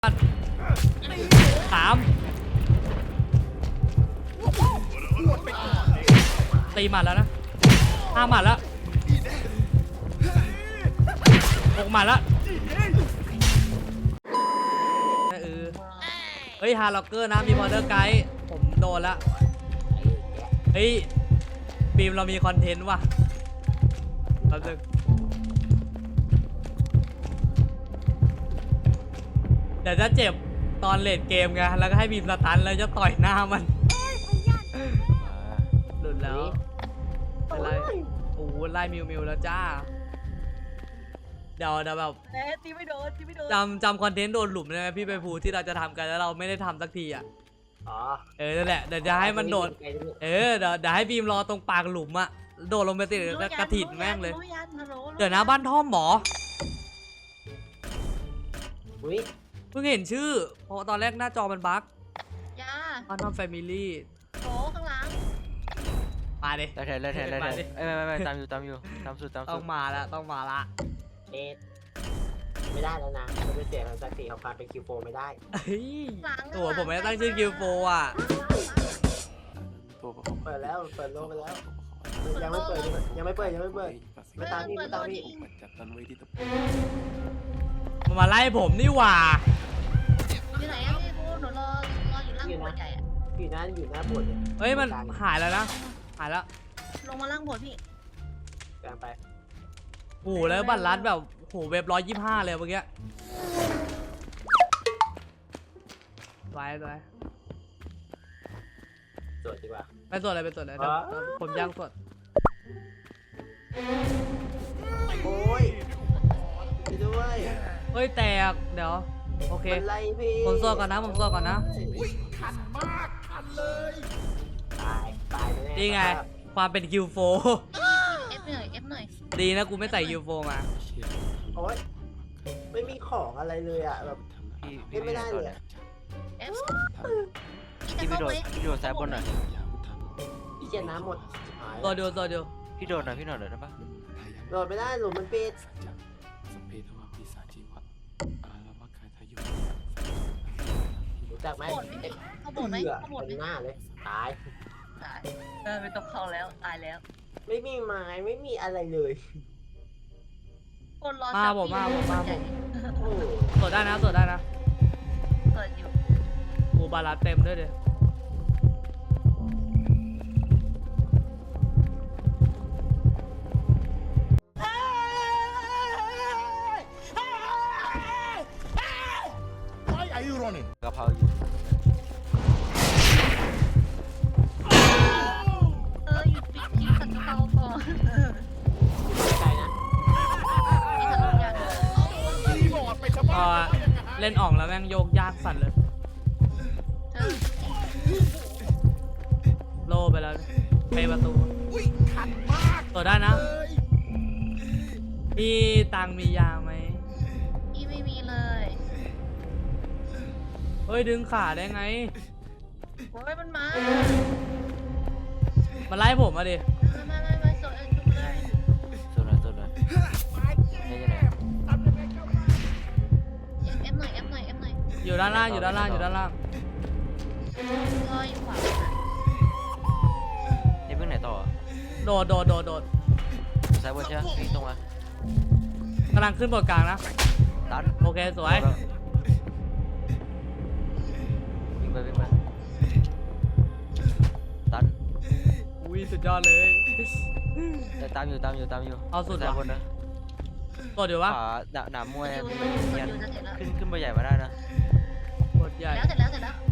3ตีหมัดแล้วนะ5หมัดแล้ว6หมัดแล้วเฮ้ยฮาร์ล็อกเกอร์นะมีพอเดอร์ไกด์ผมโดนละเฮ้ยบีมเรามีคอนเทนต์ว่ะเราจะเดี๋ยวจะเจ็บตอนเลดเกมไงแล้วก็ให้บีมสตันแล้วจะต่อยหน้ามันหลุดแล้วเป็นไรโอ้ไล่มิวแล้วจ้าเดี๋ยวแบบตีไม่โดนจำคอนเทนต์โดนหลุมได้ไหมพี่ไปพูที่เราจะทำกันแล้วเราไม่ได้ทำสักทีอ่ะนั่นแหละเดี๋ยวจะให้มันโดดเดี๋ยวให้บีมรอตรงปากหลุมอ่ะโดดลงไปติดกระถิ่นแม่งเลยเดี๋ยวนะบ้านท่อมหมอเพิ่งเห็นชื่อเพราะตอนแรกหน้าจอมันบั๊กบ้านท่อมแฟมิลี่โอ้ข้างหลังมาดิเลยไม่ตามอยู่ตามสุดต้องมาละไม่ได้แล้วนะมันจะเสียทางศักดิ์ศรีของความเป็นคิวโฟไม่ได้ตัวผมไม่ได้ตั้งชื่อคิวโฟอ่ะเปิดแล้วเปิดโลกไปแล้วยังไม่เปิดไม่ตามพี่มันมาไล่ผมนี่หว่าอยู่ไหนอะพี่พูหนูรออยู่ล่างโบสถ์ใหญ่อะอยู่หน้าโบสถ์เฮ้ยมันหายแล้วนะหายแล้วลงมาล่างโบสถ์พี่กลางไปโอ้แล้วบัตรลัดแบบโหเว็บ125เลยเมื่อกี้ไว้สวดดีกว่าไปสวดอะไรผมย่างสวดโอ้ยด้วยเฮ้ยแตกเดี๋ยวโอเคผมสวดก่อนนะขันมากขันเลยตายนี่ไงความเป็นคิวโฟเอฟหน่อยดีนะกูไม่ใส่คิวโฟมาโอ๊ยไม่มีของอะไรเลยอ่ะแบบไม่ได้เลยเอฟพี่โดดแซบบนหน่อยพี่เจน้ำหมดตัวเดียวพี่โดดหน่อยได้ปะโดดไม่ได้หลุมมันปิดรู้จักไหมเขาบ่นไหมหน้าเลยตายไม่ต้องเข้าแล้วตายแล้วไม่มีไม้ไม่มีอะไรเลยคนรอมาผมสวดได้นะเปิดอยู่กูบาลาเต็มด้วยเดี๋ยวกระเพราอยู่หยุดปิดกินขันกระเพราก่อนใจนะเล่นอ่องแล้วแม่งโยกยากสั่นเลยโลไปแล้วไปประตูตัวได้นะพี่ตังมียาไหมพี่ไม่มีเลยเฮ้ยดึงขาได้ไงโอ้ยมันมาไล่ผมมาดิไม่สดจุ๊บเลยสดเลยเอฟหน่อยอยู่ด้านล่างรออยู่ขวานี่เพิ่งไหนต่อโดดซ้ายบนใช่ไหมวิ่งตรงมากำลังขึ้นบนกลางนะตันโอเคสวยวิ่งไปตันอุ้ยสุดยอดเลยตามอยู่เอาสุดซ้ายบนนะตัวเดี๋ยววะหนามมวยขึ้นไปใหญ่มาได้นะกดใหญ่เสร็จแล้ว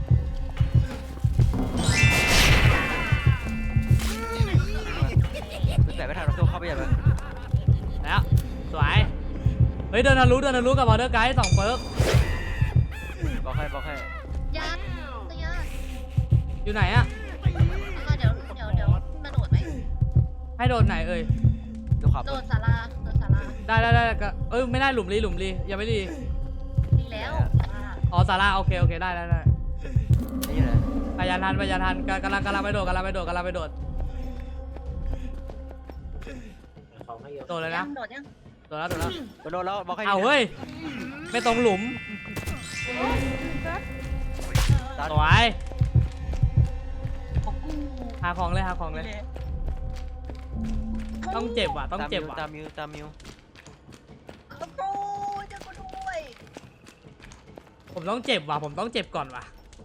แต่ไม่ทันเราเข้าไปใหญ่เลยแล้วสวยเฮ้ยเดินทะลุกับวอเตอร์ไกด์2เปิร์กบอกให้ยาอยู่ไหนอะเดี๋ยวมาโดดไหมให้โดดไหนเอ่ยโดดศาลาได้ก็ไม่ได้หลุมลียังไม่ดีแล้วอ๋อศาลาโอเคได้นี่เลยพยานทันกำลังไปโดดโดดเลยนะโดดแล้วโดนแล้วบอกให้เอาเฮ้ยไม่ตรงหลุมตัดสวยของกูหาของเลยหาของเลย ต้องเจ็บว่ะต้องเจ็บว่ะตามมิวตามมิวของกูจะกูด้วยผมต้องเจ็บว่ะผมต้องเจ็บก่อนว่ะ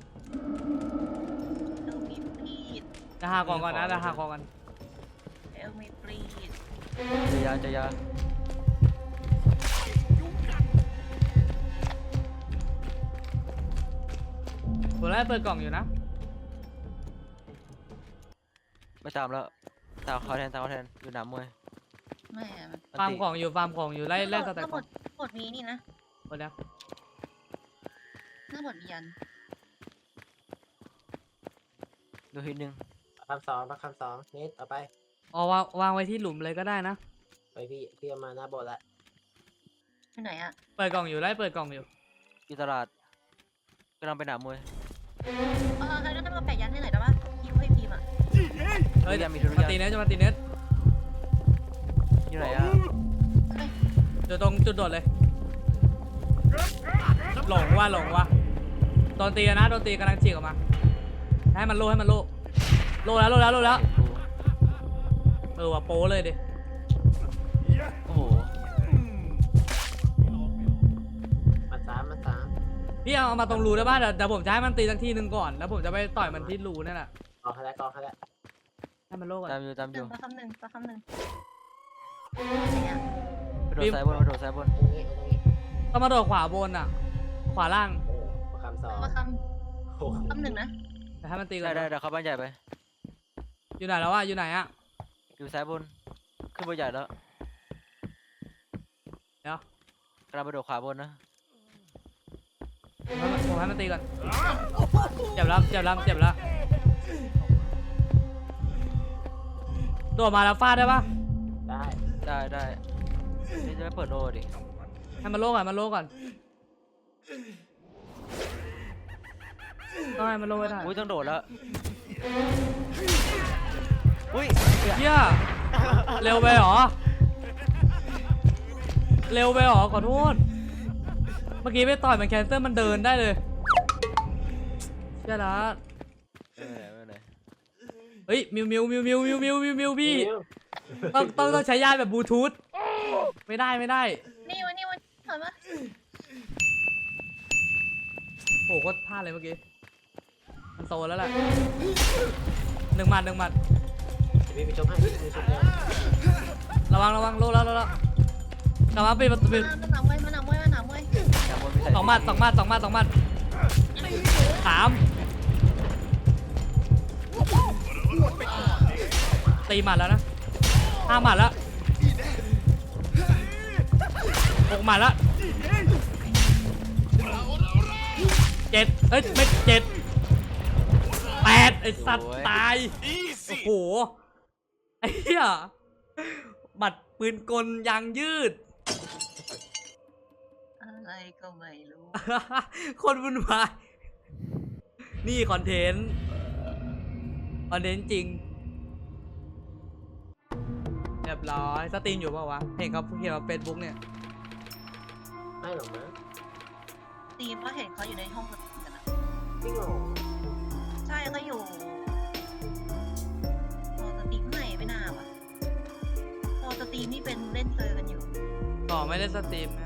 เอลมีปลีดจะหาของก่อนนะจะหาของก่อนเอลมีปลีดจะยาผมไล่เปิดกล่องอยู่นะไม่ตามแล้วตามเขาแทนอยู่หนามมวยแม่ฟาร์มของอยู่ฟาร์มของอยู่ไล่สแต็กทั้งหขมองดหมดนี้นี่นะหมดแล้วทั้งหมดมียันดูทีนึงคำสองมาคำสองเนทเอาไปอ๋อวางไว้ที่หลุมเลยก็ได้นะไปพี่เอามาหน้าโบสถ์ละที่ไหนอะเปิดกล่องอยู่ไล่เปิดกล่องอยู่อยู่ตลาดกำลังไปหนามมวยใครก็ต้องมาแปะยันให้หน่อยได้ปะคิวให้พิมพ์อะเฮ้ยมีทุมาเรียนตีเนสจะมาตีเนสอยู่ไหนอ่ะอยู่ตรงจุดโดดเลย หลงว่ะโดนตีนะโดนตีกำลังฉีกออกมา ให้มันโลโลแล้วเออว่ะโป้เลยดิโอ้โหมาสามพี่เอามาตรงรูได้ป่ะเดี๋ยวผมจะให้มันตีสักทีหนึ่งก่อนแล้วผมจะไปต่อยมันที่รูนั่นแหละกองเขาแล้วให้มันโลก่อนตามอยู่ประคำหนึ่งไหนอะไปโดดซ้ายบนตรงนี้ต้องมาโดดขวาบนอ่ะ ขวาล่างโอ้มาคำสองประคโอ้โหำหนึ่งนะแต่ให้มันตีก่อได้นเดี๋ยวเข้าบ้านใหญ่ไปอยู่ไหนแล้ววะอยู่ไหนอ่ะอยู่ซ้ายบนขึ้นบ้านใหญ่แล้วเดี๋ยวกำลังไปโดดขวาบนนะผมให้มันตีก่อนเจ็บแล้วโดดมาแล้วฟาดได้ปะได้นี่จะไม่เปิดโลดิให้มันโลก่อนต้องให้มันโลไว้ได้อุ้ยต้องโดดแล้วอุ้ยเหี้ยเร็วไปหรอขอโทษเมื่อกี้ไปต่อยมันแคนเซิลมันเดินได้เลยเชี่ยละไม่เป็นไรเฮ้ยมิวพี่ต้องใช้ยาแบบบลูทูธไม่ได้นี่วันถอยมาโอ้โหโคตรพลาดเลยเมื่อกี้มันโตแล้วแหละหนึ่งหมัดเดี๋ยวพี่ไปชมให้พี่ชมเลยระวังโลแล้วกลับมาปิดประตูมาหนามวยหนามมวยมีใส่สองหมัดสามตีหมัดแล้วนะห้าหมัดแล้วหกหมัดแล้วเจ็ดเอ้ยไม่เจ็ดแปดไอ้สัตว์ตายโอ้โหไอ้เหี้ยหมัดปืนกลยางยืดอะไรก็ไม่รู้คนวุ่นวายนี่คอนเทนต์จริงเรียบร้อยสตรีมอยู่เปล่าวะเห็นเขาเขียนว่าเฟซบุ๊กเนี่ยไม่หรอกนะตีมก็เห็นเขาอยู่ในห้องสตรีมกันนะจริงเหรอใช่เขาอยู่พอสตรีมไม่น่าว่ะพอสตรีมนี่เป็นเล่นเตอร์กันอยู่ต่อไม่ได้สตรีมนะ